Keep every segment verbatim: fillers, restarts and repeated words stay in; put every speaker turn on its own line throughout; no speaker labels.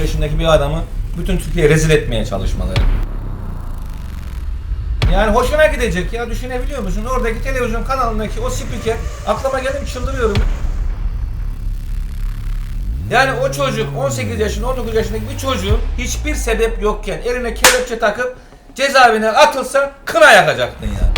yaşındaki bir adamı bütün Türkiye'ye rezil etmeye çalışmaları. Yani hoşuna gidecek ya, düşünebiliyor musun? Oradaki televizyon kanalındaki o spiker, aklıma geldim çıldırıyorum. Yani o çocuk on sekiz yaşında, on dokuz yaşındaki bir çocuğun hiçbir sebep yokken eline kelepçe takıp cezaevine atılsa kına yakacaktın ya.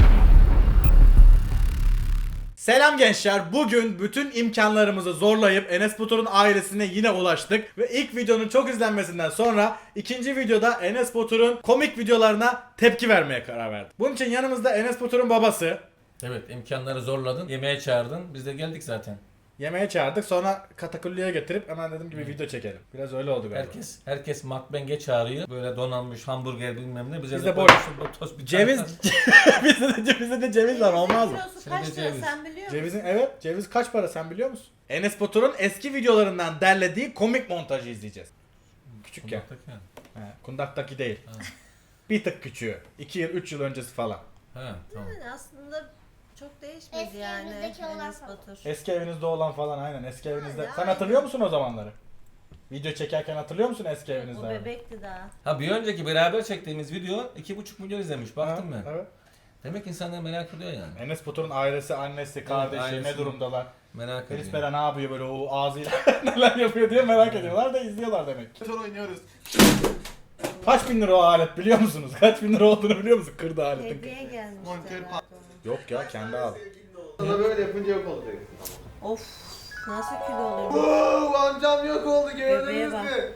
Selam gençler. Bugün bütün imkanlarımızı zorlayıp Enes Batur'un ailesine yine ulaştık. Ve ilk videonun çok izlenmesinden sonra ikinci videoda Enes Batur'un komik videolarına tepki vermeye karar verdik. Bunun için yanımızda Enes Batur'un babası.
Evet, imkanları zorladın, yemeğe çağırdın, biz de geldik zaten.
Yemeğe çağırdık, sonra katakulliye getirip hemen dedim gibi video çekelim. Biraz öyle oldu galiba.
Herkes herkes makbenge çağırıyor. Böyle donanmış hamburger bilmem ne. Bize
Biz
de
de boş.
tost bir
Ceviz, bizde de, bizde de ceviz var, olmaz mı?
Kilosu kaç
Şimdi
lira
ceviz.
sen biliyor musun?
Cevizin, evet, ceviz kaç para sen biliyor musun? Enes Batur'un eski videolarından derlediği komik montajı izleyeceğiz. Küçükken. He, kundaktaki değil.
Ha.
Bir tık küçüğü. iki yıl, üç yıl öncesi falan.
Ha, tamam.
Yani aslında çok değişmedi
Eski
yani
evimizdeki olan
Enes
falan.
Batur.
Eski evinizde olan falan, aynen eski evinizde.
yani.
Sen hatırlıyor musun o zamanları? Video çekerken hatırlıyor musun eski evinizde?
O bebekti daha.
Ha, bir önceki beraber çektiğimiz video iki buçuk milyon izlemiş. Baktım
Ha,
ben.
Evet.
Demek insanlar merak ediyor yani.
Enes Batur'un ailesi, annesi, kardeşi
ailesi.
ne durumdalar?
Merak ediyor.
Feris Bera ne yapıyor böyle o ağzıyla neler yapıyor diye merak ediyorlar da izliyorlar demek.
Motor oynuyoruz.
Kaç bin lira o alet biliyor musunuz? Kaç bin lira olduğunu biliyor musun? Kırdı aletin.
Hediye gelmiş.
Monitör
herhalde
Yok ya, kendi al.
Sana böyle yapınca yok olacak.
ona. Of nasıl kilo oluyor?
Wow, amcam yok oldu gördünüz
Bebeğe bak.
mü?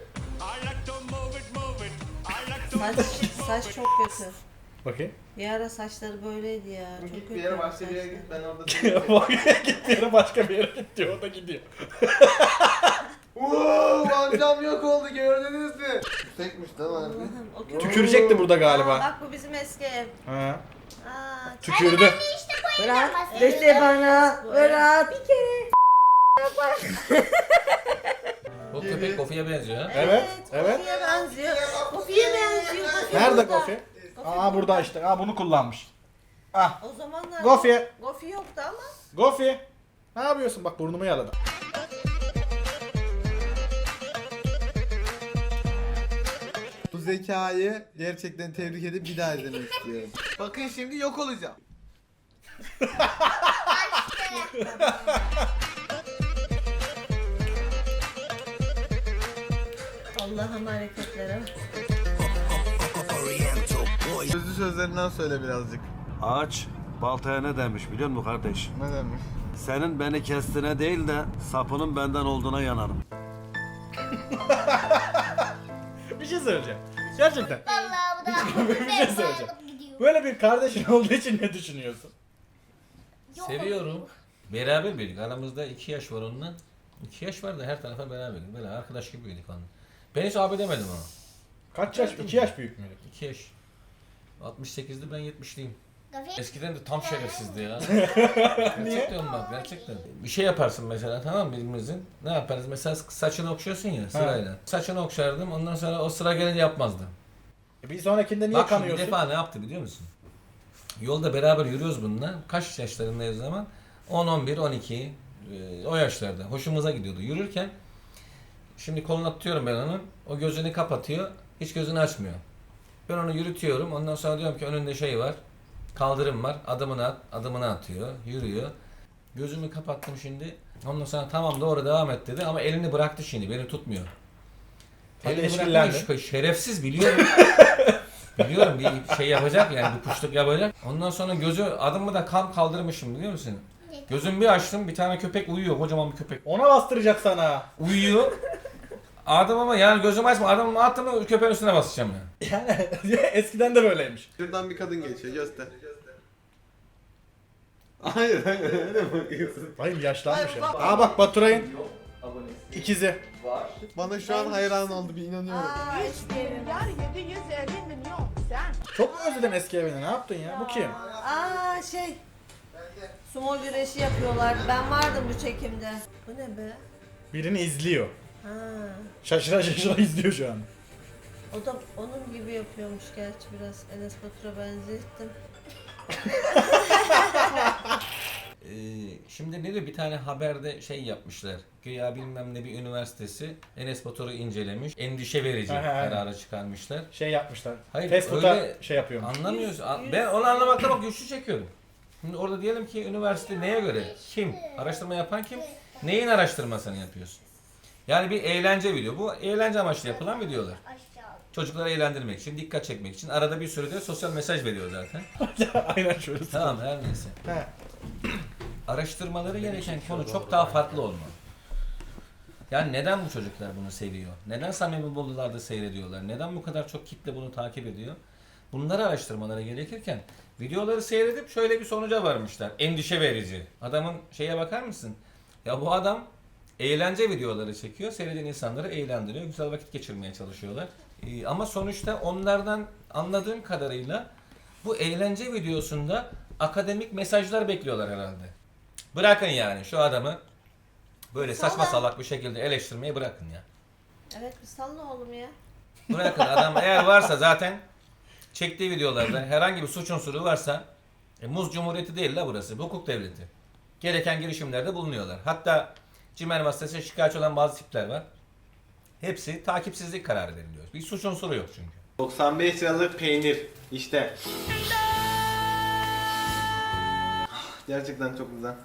Saç, saç çok kötü.
Bakayım.
Bir ara saçları böyleydi ya. Çok
Git
kötü.
bir yere başka bir yere git ben orada
Bak git bir yere başka bir yere git diyor, o da gidiyor.
Wow, amcam yok oldu gördünüz mü? Tekmiş değil mi harbi?
Allah'ım, o kötü.
Tükürecekti burada
Aa,
galiba.
bak bu bizim eski ev.
Ha.
Aa,
Tükürdü.
bırak.
bahsediyorum.
Dese bana. Bırak. Bir kere.
O köpek Kofi'ye benziyor ha.
Evet, evet.
Kofi'ye benziyor. Kofi'ye benziyor. Kofi
Nerede
burada.
Gofi?
Gofi
Aa burada işte. Aa bunu kullanmış. Ah.
O zamanlar
Gofi.
Gofi yoktu ama.
Gofi. Ne yapıyorsun? Bak burnumu yaladı.
Bu zekayı gerçekten tebrik edip bir daha izlemek istiyorum. Bakın şimdi yok olacağım.
Allah'ım hareketlere.
Sözlü sözlerinden söyle birazcık.
Ağaç baltaya ne demiş biliyor musun kardeş?
Ne demiş?
Senin beni kestiğine değil de sapının benden olduğuna yanarım.
Bir şey söyleyeceğim. Gerçekten.
Vallahi bu da
Bir şey söyleyeceğim.
alıp gidiyor.
Böyle bir kardeşin olduğu için ne düşünüyorsun?
Seviyorum. Beraber büyüdük. Aramızda iki yaş var onunla. İki yaş var da her tarafa beraberdik. Böyle arkadaş gibi büyüdük onunla. Ben hiç abi demedim ona.
Kaç yaş? iki yaş büyük müydü?
İki yaş. altmış sekizdi, ben yetmişliyim.
Gafi-
Eskiden de tam şerefsizdi ya. Gerçekten bak, gerçekten. Bir şey yaparsın mesela, tamam mı, birbirimizin? Ne yaparız? Mesela saçını okşuyorsun ya sırayla. Saçını okşardım, ondan sonra o sıra gelince yapmazdı.
E bir sonrakinde niye
Bak şimdi bir
kanıyorsun?
defa ne yaptı biliyor musun? Yolda beraber yürüyoruz bununla. Kaç yaşlarındayız o zaman? on, on bir, on iki e, o yaşlarda. Hoşumuza gidiyordu. Yürürken şimdi kolunu tutuyorum ben onun. O gözünü kapatıyor. Hiç gözünü açmıyor. Ben onu yürütüyorum. Ondan sonra diyorum ki önünde şey var. Kaldırım var. Adımını at. Adımını atıyor. Yürüyor. Gözümü kapattım şimdi. Ondan sonra tamam doğru devam et dedi ama elini bıraktı şimdi. Beni tutmuyor.
Hadi
Elini
eşkillendi.
bırakmış. Şerefsiz biliyorum. Biliyorum bir şey yapacak yani bir kuşluk yapacak. Ondan sonra gözü adımı da kam kaldırmışım biliyor musun? Gözümü bir açtım, bir tane köpek uyuyor, kocaman bir köpek.
Ona bastıracak sana.
Uyuyor. Adımımı yani gözümü açma, adımımı attım mı köpeğin üstüne basacağım ya.
Yani eskiden de böyleymiş.
Şuradan bir kadın geçiyor göster. Hayır hayır öyle bakıyorsun.
Bayım yaşlanmış ya. Aa bak Baturay'ın ikizi.
Bana şu an hayran oldu bir inanıyorum.
Aa eski evim.
Milyar yedi yüz elli milyon sen.
Çok mu özledin eski evini? Ne yaptın ya? Bu kim?
Aa şey. Sumo güreşi yapıyorlar. Ben vardım bu çekimde. Bu ne be?
Birini izliyor.
Ha.
Şaşıra şaşıra izliyor şu an.
O da onun gibi yapıyormuş gerçi biraz. Enes Batur'a benzettim.
Ee, şimdi ne diyor, bir tane haberde şey yapmışlar. Güya bilmem ne bir üniversitesi Enes Batur'u incelemiş. Endişe verici
Aha, aynen.
kararı çıkarmışlar.
Şey yapmışlar.
Hayır,
Facebook'ta
öyle
şey yapıyor.
Anlamıyoruz. A-
Yüz-
Ben onu anlamakta bak güçlü çekiyorum. Şimdi orada diyelim ki üniversite neye göre? Kim? Araştırma yapan kim? Neyin araştırmasını yapıyorsun? Yani bir eğlence video. Bu eğlence amaçlı yapılan videolar. Çocukları eğlendirmek için, dikkat çekmek için. Arada bir sürü de sosyal mesaj veriyor zaten.
Aynen şöyle.
Tamam, her neyse.
He.
Araştırmaları gereken konu çok daha farklı olmalı. Yani neden bu çocuklar bunu seviyor? Neden samimi buldularda seyrediyorlar? Neden bu kadar çok kitle bunu takip ediyor? Bunları araştırmaları gerekirken videoları seyredip şöyle bir sonuca varmışlar. Endişe verici. Adamın şeye bakar mısın? Ya bu adam eğlence videoları çekiyor. Seyreden insanları eğlendiriyor. Güzel vakit geçirmeye çalışıyorlar. Ee, ama sonuçta onlardan anladığım kadarıyla bu eğlence videosunda akademik mesajlar bekliyorlar herhalde. Bırakın yani şu adamı böyle saçma
Salla.
salak bir şekilde eleştirmeyi bırakın ya.
Evet bir salla oğlum ya.
Bırakın, adam eğer varsa zaten çektiği videolarda herhangi bir suç unsuru varsa e, Muz Cumhuriyeti değil la burası. Bu hukuk devleti. Gereken girişimlerde bulunuyorlar. Hatta CİMER vasıtasıyla şikayetçi olan bazı tipler var. Hepsi takipsizlik kararı veriliyor. Bir suç unsuru yok çünkü.
doksan beş liralık peynir işte. Gerçekten çok güzel.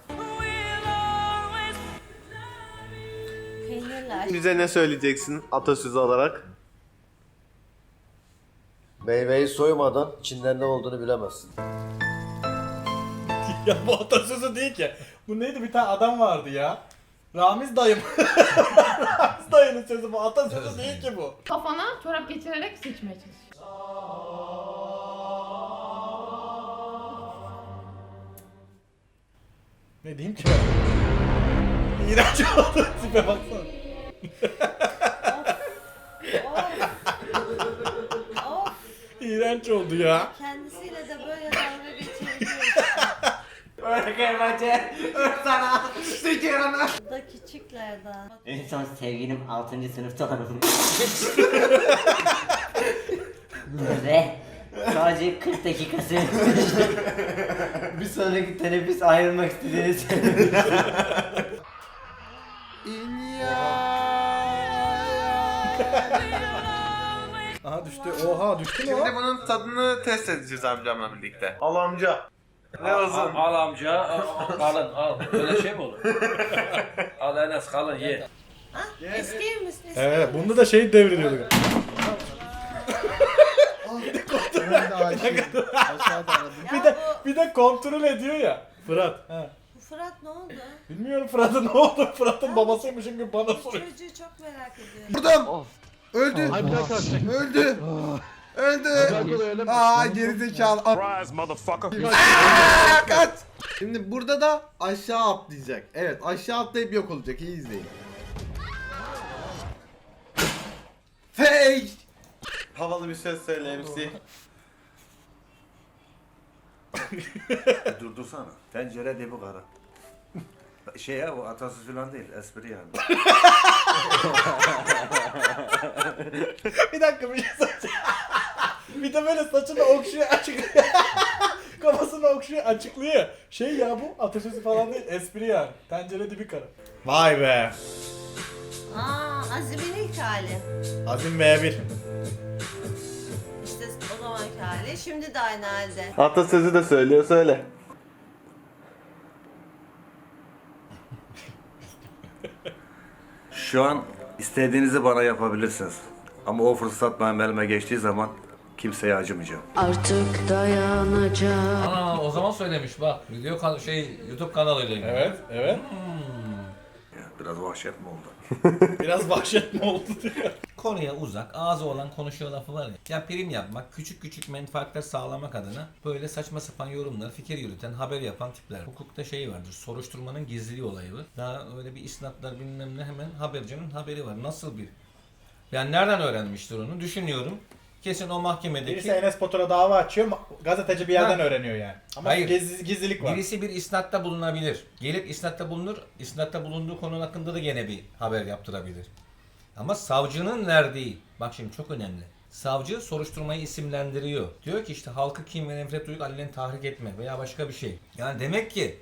Peynirli aç.
Bize ne söyleyeceksin atasözü olarak?
Meyveyi soymadan içinden ne olduğunu bilemezsin.
Ya bu atasözü değil ki. Bu neydi, bir tane adam vardı ya. Ramiz dayım. Ramiz dayının sözü bu. Atasözü değil ki bu.
Kafana çorap geçirerek seçmeye çalış.
Ne diyeyim ki ben? İğrenç oldu. Tipe baksana.
Of.
İğrenç oldu ya.
Kendisiyle de böyle dalga geçebiliyorsun. Bu da küçüklerden.
En son sevgilim altıncı sınıfta hanım. Ve sadece kırk dakika sürmüştü. Bir sonraki teneffüs ayrılmak istediğini söyledi.
Aha düştü. Oha düştü mü o?
Şimdi bunun tadını test edeceğiz amcamla birlikte. Al amca. Ne olsun?
Al, al amca, al, al, kalın al. Böyle şey mi olur? Al Enes kalın ye.
Eski misin?
Evet, bunda da şey devriliyordu.
Ben de aşık. Aşağıda aradım.
Bir de bir de kontrol ediyor ya. Fırat. Ha.
Bu Fırat ne oldu?
Bilmiyorum Fırat'ın ne oldu? Fırat'ın babasıymışım gibi bana soruyor.
Çocuğu çok merak ediyorum.
Buradım. Öldü. Öldü. Öldü. Aa gerizekalı. Surprise motherfucker. Kaç. Şimdi burada da aşağı atlayacak. Evet, aşağı atlayıp yok olacak. İyi izleyin. Fake. Havalı bir söz söyle M C.
Durdursana. Tencere dibi kara. Şey ya, bu atasözü falan değil, espri yani.
Bir dakika bir şey söyleyeceğim. Bir de böyle saçını okşuyor açıklıyor. Kafasını okşuyor açıklıyor. Şey ya, bu atasözü falan değil, espri yani. Tencere dibi kara. Vay be.
Aa Azim'in ilk hali.
Azim V bir.
İşte o zamanki hali. Şimdi de aynı halde.
Atasözü de söylüyor, söyle.
Şu an istediğinizi bana yapabilirsiniz. Ama o fırsat benim elime geçtiği zaman kimseye acımayacağım.
Artık dayanacak.
Aa, o zaman söylemiş bak. Video kan- şey YouTube kanalıyla ilgili.
Evet, evet.
Ya, biraz vahşet mi oldu?
Biraz vahşet mi oldu diyor.
Konuya uzak, ağzı olan konuşuyor lafı var ya. Ya prim yapmak, küçük küçük menfaatler sağlamak adına böyle saçma sapan yorumlar, fikir yürüten, haber yapan tipler. Hukukta şey vardır, soruşturmanın gizliliği olayı var. Daha öyle bir isnatlar bilmem ne, hemen habercinin haberi var. Nasıl bir? Yani nereden öğrenmiştir onu? Düşünüyorum. Kesin o mahkemedeki...
Birisi Enes Batur'a dava açıyor, ma- gazeteci bir yerden
Ha.
öğreniyor yani. Ama
Hayır.
gizli- gizlilik var.
Birisi bir isnatta bulunabilir. Gelip isnatta bulunur. İsnatta bulunduğu konu hakkında da gene bir haber yaptırabilir. Ama savcının verdiği, bak şimdi çok önemli. Savcı soruşturmayı isimlendiriyor. Diyor ki işte halkı kin ve nefret duyup alenen tahrik etme veya başka bir şey. Yani demek ki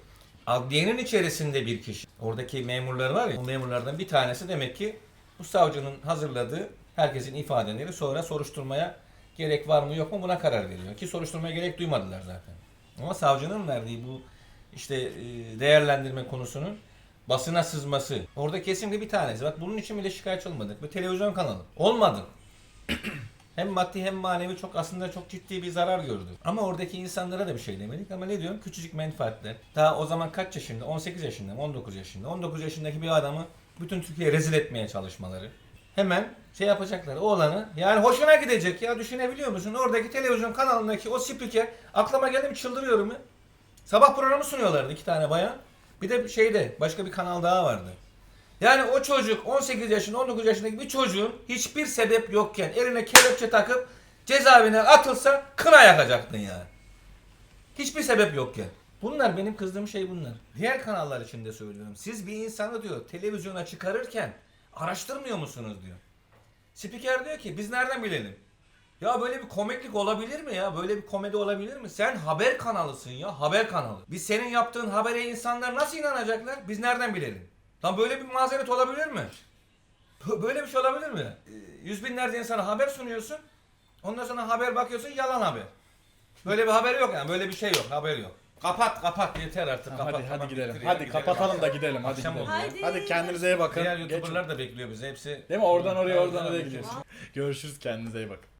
Adliyenin içerisinde bir kişi. Oradaki memurlar var ya, o memurlardan bir tanesi demek ki bu savcının hazırladığı herkesin ifadeleri sonra soruşturmaya gerek var mı yok mu buna karar veriyor. Ki soruşturmaya gerek duymadılar zaten. Ama savcının verdiği bu işte e, değerlendirme konusunun basına sızması. Orada kesinlikle bir tanesi. Bak bunun için bile şikayetçi olmadık. Bir televizyon kanalı. Olmadı. Hem maddi hem manevi çok aslında çok ciddi bir zarar gördü. Ama oradaki insanlara da bir şey demedik ama ne diyorum? Küçücük menfaatler. Daha o zaman kaç yaşında? on sekiz yaşında mı? on dokuz yaşında. on dokuz yaşındaki bir adamı bütün Türkiye'ye rezil etmeye çalışmaları. Hemen şey yapacaklar. Oğlanı yani hoşuna gidecek ya, düşünebiliyor musun? Oradaki televizyon kanalındaki o spiker aklıma geldi mi çıldırıyorum ya. Sabah programı sunuyorlardı iki tane bayan. Bir de şeyde başka bir kanal daha vardı. Yani o çocuk on sekiz yaşında on dokuz yaşındaki bir çocuğun hiçbir sebep yokken eline kelepçe takıp cezaevine atılsa kına yakacaktın yani. Hiçbir sebep yokken. Bunlar benim kızdığım şey bunlar. Diğer kanallar için de söylüyorum. Siz bir insanı diyor televizyona çıkarırken araştırmıyor musunuz diyor. Spiker diyor ki biz nereden bilelim? Ya böyle bir komiklik olabilir mi ya? Böyle bir komedi olabilir mi? Sen haber kanalısın ya, haber kanalı. Biz senin yaptığın habere insanlar nasıl inanacaklar? Biz nereden bilelim? Lan böyle bir mazeret olabilir mi? Böyle bir şey olabilir mi? Yüz binlerce insana haber sunuyorsun. Ondan sonra haber bakıyorsun yalan haber. Böyle bir haber yok yani. Böyle bir şey yok. Haber yok. Kapat kapat yeter artık.
Ha,
Kapat,
hadi
kapat,
hadi gidelim.
bitir,
Hadi
gidelim.
kapatalım da gidelim. Hadi
Akşam
gidelim.
oldu.
Hadi.
Hadi kendinize iyi bakın.
Diğer
Geç-
YouTuber'lar da bekliyor bizi hepsi.
Değil mi? Oradan oraya oradan oraya
Oradan
gidiyoruz. Görüşürüz, kendinize iyi bakın.